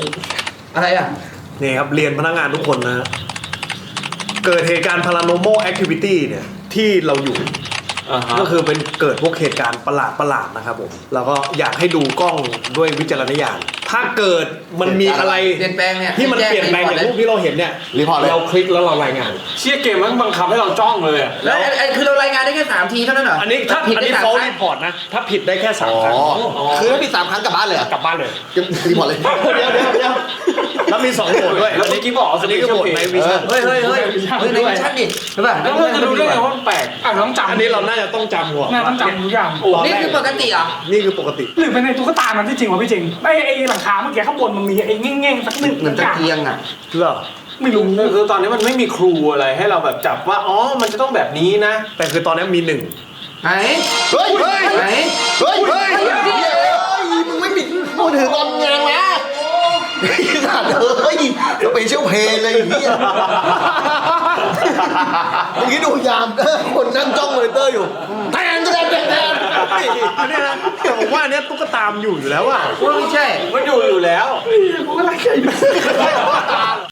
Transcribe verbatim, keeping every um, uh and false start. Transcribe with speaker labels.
Speaker 1: อะไรอ่ะ
Speaker 2: นี่ครับเรียนพนักงานทุกคนนะ เกิดเหตุการณ์ paranormal activity เนี่ยที่เราอยู่ก็คือเป็นเกิดพวกเหตุการณ์ประหลาดประหลาดๆนะครับผมแล้วก็อยากให้ดูกล้องด้วยวิจารณญาณถ้าเกิดมันมีอะไร
Speaker 1: เปลี่ยนแปลงเนี่ย
Speaker 2: ที่มันเปลี่ยนแปลงอย่างรูปที่เราเห็นเนี่ยเราคลิกแล้วเรารายงาน
Speaker 3: เชี่ยเกมมันบังคับให้เราจ้องเลยอะ
Speaker 1: แล้วไอ้คือเรารายงานได้แค่สามทีเท่านั้นเหรอ
Speaker 2: อันนี้ถ้า
Speaker 1: ผิด
Speaker 2: อัน
Speaker 1: ได้
Speaker 2: นี้
Speaker 1: สาม
Speaker 2: เขา
Speaker 1: ครั้
Speaker 2: รี
Speaker 1: ง
Speaker 2: พอร์ตนะถ้าผิดได้แค่สามครั้ง
Speaker 4: คือถ้าผิดสามครั้งกลับบ้านเลยเหรอก
Speaker 2: ลับบ้านเลย
Speaker 4: รีพอร์ตเลย
Speaker 2: เดี๋ยวเดี๋ยวเดี๋ยวแล้วมีสองโหมดด้วย
Speaker 3: แล้วเมื่อกี้บอก
Speaker 2: อันนี้ก็โหมดในวิชั่น
Speaker 1: เฮ้ยเฮ้ยเฮ้ยเฮ้ยในวิชั่นดิใช่ป่ะ
Speaker 3: แล้วเราจะรู้ได้ไงว่ามันแปลก
Speaker 5: อ่ะต้องจำ
Speaker 2: อันนี้เราน่าจะต้องจำหัว
Speaker 5: น่าต้องจำทุกอย่าง
Speaker 1: นี่คือปกติเหรอ
Speaker 2: นี่คือปกติ
Speaker 5: หรือเป็นในตุ๊กตามันที่จริงวะพี่จริงไอ้ไอ้หลังคาเมื่อกี้ข้างบนมันมีไอ้เง่งๆสักหนึ่ง
Speaker 1: เหมือนตะเกียงอ่ะ
Speaker 2: เหรอ
Speaker 5: ไม่รู้
Speaker 3: คือตอนนี้มันไม่มีครูอะไรให้เราแบบจับว่าอ๋อมันจะต้องแบบนี้นะ
Speaker 2: แต่คือตอนนี้มีหนึ่ง
Speaker 1: ไหน
Speaker 4: เฮ้ยเฮ้ย
Speaker 1: ไหน
Speaker 4: เฮ้ยเฮ้ยเฮ้ยมึงไม่ปิดมือถือตอนงานนะขนาดเฮ้ยเราไปเชี่ยวเพลเลยอย่างเงี้ยเมื่อกี้ดูยามเออคนนั่งจ้องมอนิเตอร์อยู่แทนแทนแทนแทน
Speaker 2: อันนี้นะผมว่าอันเนี้ยตุ๊กตามอยู่อยู่แล้วอ่ะ
Speaker 1: ว่าไม่ใช่
Speaker 3: มันอยู่อยู่แล้ว
Speaker 5: กูก็รักใครอยู่